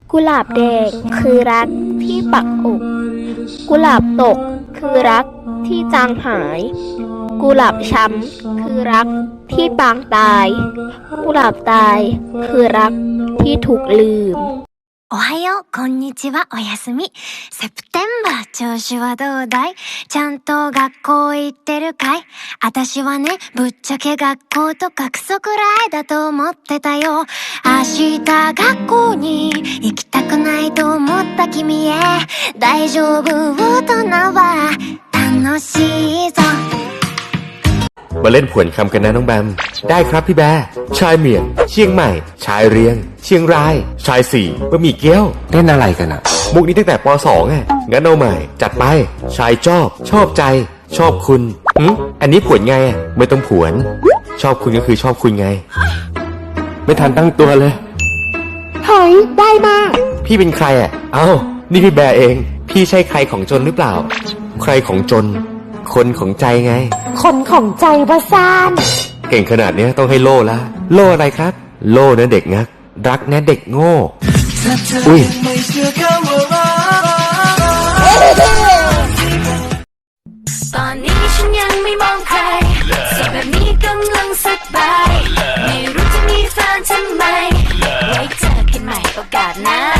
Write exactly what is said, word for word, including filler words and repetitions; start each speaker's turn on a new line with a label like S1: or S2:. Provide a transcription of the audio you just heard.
S1: กุหลาบแดงคือรักที่ปักอกกุหลาบตกคือรักที่จางหายกุหลาบช้ำคือรักที่ปางตายกุหลาบตายคือรักที่ถูกลืม
S2: おはよう、こんにちは、おやすみ。セプテンバー、調子はどうだい？ちゃんと学校行ってるかい？あたしはね、ぶっちゃけ学校とかクソくらいだと思ってたよ。明日学校に行きたくないと思った君へ。大丈夫、大人は楽しいぞ。
S3: มาเล่นผวนคำกันนะน้องแบมได้ครับพี่แบร์ชายเมียนเชียงใหม่ชายเรียงเชียงรายชายสี่บะหมี่เกี๊ยวเล่นอะไรกันอะมุกนี้ตั้งแต่ป สอง อ่ะงั้นเอาใหม่จัดไปชายชอบชอบใจชอบคุณหึอันนี้ผวนไงอะไม่ต้องผวนชอบคุณก็คือชอบคุณไงไม่ทันตั้งตัวเลย
S1: เฮ้ยได้มาก
S3: พี่เป็นใครอะเอ้านี่พี่แบร์เองพี่ใช่ใครของจนหรือเปล่าใครของจนคนของใจไง
S1: คนของใจวะซาน
S3: เก่งขนาดนี้ต้องให้โล่ละโล่อะไรครับโล่นะเด็กงักรักนะเด็กโง่อุ้ย
S2: ตอนนี้ฉันยังไม่มองใครโสดแบบนี้กำลังสบายไม่รู้จะมีแฟนทำไมไว้เจอกันใหม่โอกาสหน้า